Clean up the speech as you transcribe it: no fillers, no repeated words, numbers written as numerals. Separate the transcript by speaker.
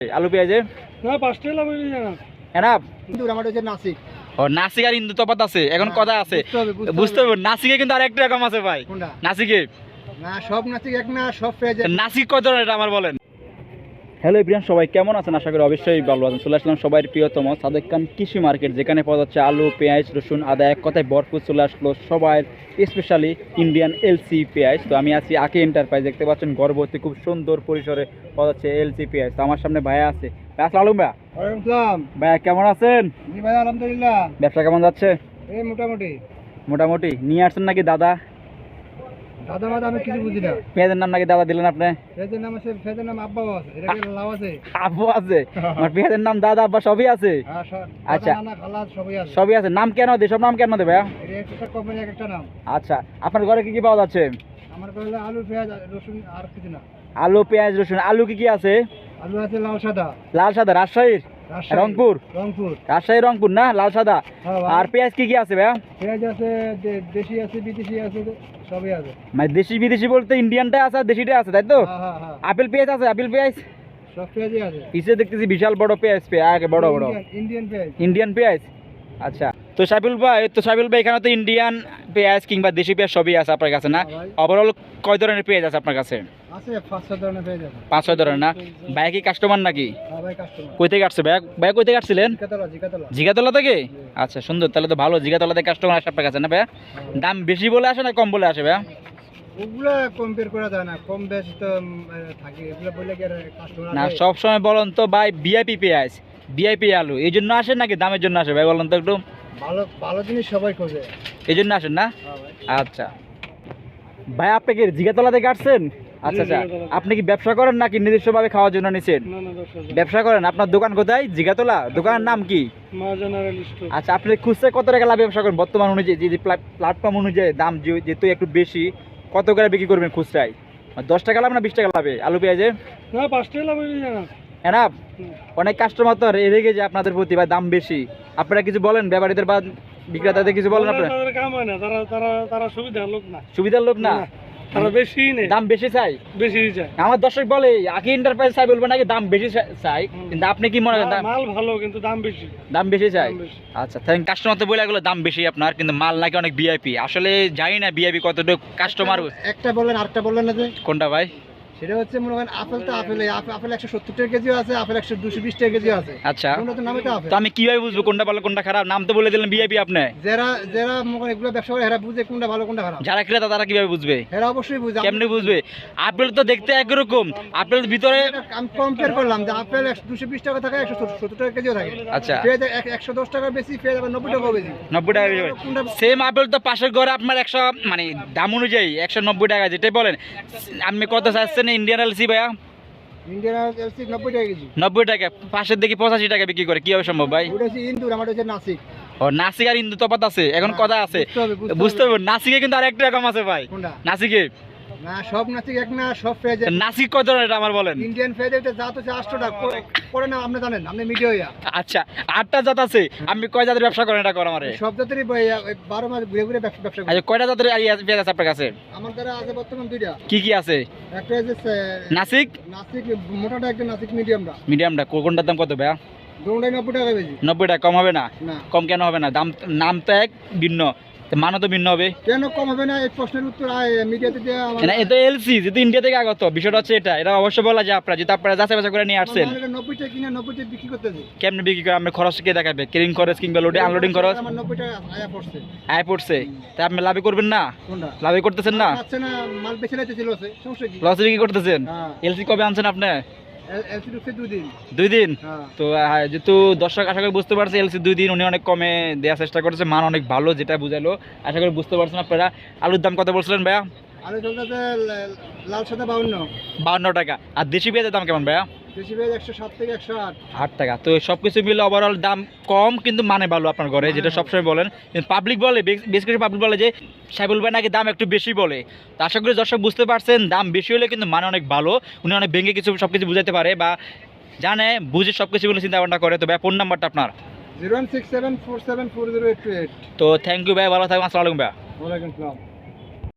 Speaker 1: আলু পেঁয়াজে
Speaker 2: না 5 টাকা লাভ হইছে না
Speaker 1: এনাফ।
Speaker 2: কিন্তু আমার হচ্ছে নাসিক।
Speaker 1: ও নাসিক আর ইন্দু তফাৎ আছে, এখন কথা আছে বুঝতে হবে। নাসিকে কিন্তু আরেকটা রকম আছে ভাই।
Speaker 2: কোনটা?
Speaker 1: নাসিকে
Speaker 2: না সব নাসিক এক না, সব পেঁয়াজ
Speaker 1: নাসিক কত ধরনের এটা আমার বলেন। হ্যালো এভরিওয়ান, সবাই কেমন আছেন? আশা করি অবশ্যই ভালো আছেন। চলে আসলাম সবাই প্রিয়তম সাদেক খান কৃষি মার্কেট, যেখানে পাওয়া যাচ্ছে আলু, পেঁয়াজ, রসুন, আদা, এক কথায় ভরপুর। চলে আসলো সবাই স্পেশালি ইন্ডিয়ান এলসি পেঁয়াজ। তো আমি আছি আকি এন্টারপ্রাইজ, দেখতে পাচ্ছেন গর্ভবতী খুব সুন্দর পরিসরে পাওয়া যাচ্ছে এলসি পেঁয়াজ। তো আমার সামনে ভাইয়া আছে। আসসালামু আলাইকুম ভাইয়া।
Speaker 2: ওয়ালাইকুম আসসালাম।
Speaker 1: ভাইয়া কেমন আছেন?
Speaker 2: জি ভাই আলহামদুলিল্লাহ।
Speaker 1: ব্যবসা কেমন যাচ্ছে?
Speaker 2: এই মোটামুটি।
Speaker 1: মোটামুটি। নিয়ে আসছেন নাকি দাদা?
Speaker 2: দাদা মাদা আমি কিছু বুঝি না।
Speaker 1: পেঁয়াজের নাম নাকি দাদা দিলেন আপনি?
Speaker 2: পেঁয়াজের নাম আছে, পেঁয়াজের নাম আব্বাও আছে। এটা কি লাভ আছে?
Speaker 1: আব্বু আছে? আমার পেঁয়াজের নাম দাদা আব্বা সবই আছে।
Speaker 2: হ্যাঁ সব।
Speaker 1: আচ্ছা।
Speaker 2: নানা খালা সবই আছে।
Speaker 1: সবই আছে। নাম কেন দে? সব নাম কেন দে ভাইয়া?
Speaker 2: এটা একটা কোম্পানি একটা নাম।
Speaker 1: আচ্ছা, আপনার ঘরে কি কি পাওয়া যাচ্ছে?
Speaker 2: আমার কাছে আলু পেঁয়াজ রসুন আর কিছু না।
Speaker 1: আলু, পেঁয়াজ, রসুন। আলু কি কি আছে?
Speaker 2: আলু আছে লাল সাদা।
Speaker 1: লাল সাদা রাজশাহীর?
Speaker 2: রাজশাহী,
Speaker 1: রংপুর?
Speaker 2: রংপুর।
Speaker 1: রাজশাহী রংপুর না, লাল সাদা।
Speaker 2: হ্যাঁ ভাই।
Speaker 1: আর পেঁয়াজ কি কি আছে ভাইয়া?
Speaker 2: পেঁয়াজ আছে, দেশি আছে, বিদেশি আছে, সবই আছে।
Speaker 1: মানে দেশি বিদেশি বলতে ইন্ডিয়ানটা আছে আর দেশিটা আছে, তাই তো?
Speaker 2: হ্যাঁ হ্যাঁ হ্যাঁ।
Speaker 1: আপেল পেঁয়াজ আছে? আপেল পেঁয়াজ
Speaker 2: সব পেঁয়াজই আছে।
Speaker 1: পিছিয়ে দেখতেছি বিশাল বড় পেঁয়াজ, পেঁয়াজ বড় বড়
Speaker 2: ইন্ডিয়ান পেঁয়াজ।
Speaker 1: ইন্ডিয়ান পেঁয়াজ। আচ্ছা, তো সাইফুল ভাই এখানে তো ইন্ডিয়ান পেঁয়াজ কিংবা দেশি পেঁয়াজ সবই আছে আপনার কাছে না?
Speaker 2: হ্যাঁ ভাই।
Speaker 1: ওভারঅল কয় ধরনের পেঁয়াজ আছে আপনার কাছে?
Speaker 2: আছে 5-6 ধরনের পেঁয়াজ আছে।
Speaker 1: 5-6 ধরনের না? ভাই কি কাস্টমার নাকি?
Speaker 2: হ্যাঁ ভাই কাস্টমার।
Speaker 1: কই থেকে আসছে ভাই? ভাই কই থেকে আসছিলেন?
Speaker 2: জিকাতলা।
Speaker 1: জিগাতলা থেকে? আচ্ছা সুন্দর, তাহলে তো ভালো। জিগাতলা থেকে কাস্টমার আসে আপনার কাছে না ভাইয়া? দাম বেশি বলে আসে না কম বলে আসে ভাইয়া?
Speaker 2: ওগুলা কম্পেয়ার করা যায় না, কম বেশি তো থাকে। এগুলা বললে কি আর কাস্টমার
Speaker 1: না, সব সময় বলেন তো ভাই ভিআইপি পেঁয়াজ, ভিআইপি আলু, এই জন্য আসেন নাকি দামের জন্য আসে ভাই বলেন তো একটু?
Speaker 2: ভালো ভালো জিনিস সবাই খোঁজে।
Speaker 1: এই জন্য আসেন না?
Speaker 2: হ্যাঁ ভাই।
Speaker 1: আচ্ছা ভাই, আপনি কি জিগাতলা থেকে আসছেন? আচ্ছা আচ্ছা, আপনি কি ব্যবসা করেন নাকি নিজস্বভাবে খাওয়ার জন্য নিছেন?
Speaker 2: না না দর্শক।
Speaker 1: ব্যবসা করেন। আপনার দোকান কোথায়? জিগাতলা। দোকানের নাম কি?
Speaker 2: মা জেনারেল স্টোর।
Speaker 1: আচ্ছা, আপনি খুচরা কত টাকা লাভ ব্যবসা করেন বর্তমান অনুযায়ী? যে প্ল্যাটফর্ম অনুযায়ী দাম যেহেতু একটু বেশি, কত করে বিক্রি করবেন খুচরায়? 10 টাকা লাভ না 20 টাকা লাভে আলু পেঁয়াজে?
Speaker 2: না 5 টাকা লাভ হইছে না।
Speaker 1: এনাফ। অনেক কাস্টমার তো রেগে যায় আপনাদের প্রতি, ভাই দাম বেশি। আপনারা কিছু বলেন ব্যাপারীদের বা বিক্রেতাদের কিছু বলেন আপনারা?
Speaker 2: তাদের কাম হয় না, তারা তারা তারা সুবিধার লোক না।
Speaker 1: সুবিধার লোক না?
Speaker 2: তারা বেশি নেই,
Speaker 1: দাম বেশি চাই।
Speaker 2: বেশি চায়।
Speaker 1: আমার দর্শক বলে আকি এন্টারপ্রাইজ চাই, বলবো নাকি দাম বেশি চাই, কিন্তু আপনি কি মনে করেন?
Speaker 2: মাল ভালো কিন্তু দাম বেশি।
Speaker 1: দাম বেশি চাই।
Speaker 2: দাম বেশি।
Speaker 1: আচ্ছা, থ্যাংক। কাস্টমার তো বলে গেলো দাম বেশি আপনার, কিন্তু মাল নাকি অনেক ভিআইপি। আসলে জানি না ভিআইপি কতটুকু কাস্টমার।
Speaker 2: একটা বললেন আরেকটা বললেন না যে?
Speaker 1: কোনটা ভাই?
Speaker 2: সেটা হচ্ছে মনে করেন আপেল তো আপেল 170 টাকা কেজি আছে, আপেল 220 টাকা কেজি আছে।
Speaker 1: আচ্ছা,
Speaker 2: কোনটা তো নামে তো আপেল।
Speaker 1: তো আমি কিভাবে বুঝবো কোনটা ভালো কোনটা খারাপ? নাম তো বলে দিলেন ভিআইপি আপনি।
Speaker 2: যারা যারা মনে করেন এগুলো ব্যবসা করে এরা বুঝে কোনটা ভালো কোনটা খারাপ।
Speaker 1: যারা ক্রেতা তারা কিভাবে বুঝবে?
Speaker 2: এরা অবশ্যই বুঝে।
Speaker 1: কেমনে বুঝবে? আপেল তো দেখতে একরকম, আপেল ভিতরে।
Speaker 2: আমি কম্পেয়ার করলাম যে আপেল 220 টাকা থাকে, 170 টাকা কেজিও থাকে।
Speaker 1: আচ্ছা,
Speaker 2: পেঁয়াজ 110 টাকা বেশি, পেঁয়াজ আবার 90 টাকা বেশি।
Speaker 1: 90 টাকা বেশি। সেম আপেল তো পাশের ঘরে আপনার 100, মানে দাম অনুযায়ী 190 টাকা, যেটাই বলেন। আপনি কত চাচ্ছেন ইন্ডিয়ান এলসি ভাইয়া?
Speaker 2: ইন্ডিয়ান এলসি 90 টাকা কেজি।
Speaker 1: 90 টাকা। পাশের দেখি 85 টাকা বিক্রি করে, কিভাবে সম্ভব ভাই?
Speaker 2: ওটা হচ্ছে ইন্দুর, আমার হচ্ছে নাসিক।
Speaker 1: ও, নাসিক আর ইন্দু তফাৎ আছে, এখন কথা আছে বুঝতে হবে। নাসিকে কিন্তু আরেকটা রকম আছে ভাই।
Speaker 2: কোনটা?
Speaker 1: নাসিকে
Speaker 2: না সব নাসিক এক না, সব পেঁয়াজ।
Speaker 1: নাসিক কত ধরনের এটা আমার বলেন?
Speaker 2: ইন্ডিয়ান পেঁয়াজ এটা জাত হচ্ছে 8 টাকা করে না, আপনি জানেন, আপনি মিডিয়া হইয়া।
Speaker 1: আচ্ছা, 8টা জাত আছে। আপনি কয় জাতের ব্যবসা করেন এটা কর আমারে?
Speaker 2: সব জাতেরই 12 মাস ঘুরে ঘুরে ব্যবসা করি।
Speaker 1: আচ্ছা, কয়টা জাতের পেঁয়াজ আছে আপনার কাছে?
Speaker 2: আমার দ্বারা আছে বর্তমান 2টা।
Speaker 1: কি কি আছে?
Speaker 2: একটা হচ্ছে
Speaker 1: নাসিক,
Speaker 2: নাসিক মোটাটা, একটা নাসিক মিডিয়ামটা।
Speaker 1: মিডিয়ামটা। কোনটার দাম কত ভাইয়া?
Speaker 2: দুটোটাই 90 টাকা বেশি।
Speaker 1: 90 টাকা। কম হবে না?
Speaker 2: না।
Speaker 1: কম কেন হবে না? দাম, নাম তো এক, ভিন্ন, তো মানও তো ভিন্ন হবে।
Speaker 2: কেন কম হবে না? এই প্রশ্নের উত্তর মিডিয়াতে দেওয়া আমার।
Speaker 1: না, এটা এলসি যেহেতু ইন্ডিয়া থেকে আগত, বিষয়টা হচ্ছে এটা অবশ্যই বলা যায় আপনারা, যেহেতু আপনারা যাচাই বাছাই করে নিয়ে আসছেন।
Speaker 2: 90 টাকা কিনা 90 টাকা বিক্রি করতেছি।
Speaker 1: কেমনে বিক্রি করে? আপনার খরচ কে দেখাবে? ক্যারিং খরচ কিংবা লোডিং আনলোডিং খরচ
Speaker 2: আমার 90 টাকা আয়া পড়ছে।
Speaker 1: আয় পড়ছে, তাই আপনি লাভই করবেন না?
Speaker 2: কোনটা?
Speaker 1: লাভই করতেছেন না?
Speaker 2: আচ্ছা না, মাল বেশি লাইতেছিল আছে, সমস্যা কি?
Speaker 1: লসে বিক্রি করতেছেন?
Speaker 2: হ্যাঁ।
Speaker 1: এলসি কবে আনছেন আপনি?
Speaker 2: এলসি ঢুকছে 2 দিন।
Speaker 1: 2 দিন।
Speaker 2: হ্যাঁ।
Speaker 1: তো যেহেতু দর্শক আশা করি বুঝতে পারছে, এলসি 2 দিন উনি অনেক কমে দেওয়ার চেষ্টা করেছে, মান অনেক ভালো, যেটা বুঝালো। আশা করি বুঝতে পারছেন আপনারা। আলুর দাম কত বলছিলেন ভাইয়া?
Speaker 2: আলু চলতেছে লাল সাদা 52।
Speaker 1: 52 টাকা। আর দেশি পেঁয়াজের দাম কেমন ভাইয়া?
Speaker 2: দেশি পেঁয়াজ 107 থেকে 108।
Speaker 1: 8 টাকা। তো সবকিছু মিলে ওভারঅল দাম কম, কিন্তু মানে ভালো আপনার ঘরে, যেটা সবসময় বলেন। কিন্তু পাবলিক বলে, বেশ কিছু পাবলিক বলে যে সাইফুল ভাই নাকি দাম একটু বেশি বলে। তো আশা করি দর্শক বুঝতে পারছেন, দাম বেশি হলে কিন্তু মানে অনেক ভালো। উনি অনেক ভেঙে সবকিছু বুঝাতে পারে বা জানে, বুঝে সবকিছু বলে চিন্তা ভাবনা করে। তো ভাই ফোন নাম্বারটা আপনার?
Speaker 2: 0167474088।
Speaker 1: তো থ্যাংক ইউ ভাই, ভালো থাকবেন। আসসালামু আলাইকুম ভাই।
Speaker 2: ওয়ালাইকুম আসসালাম।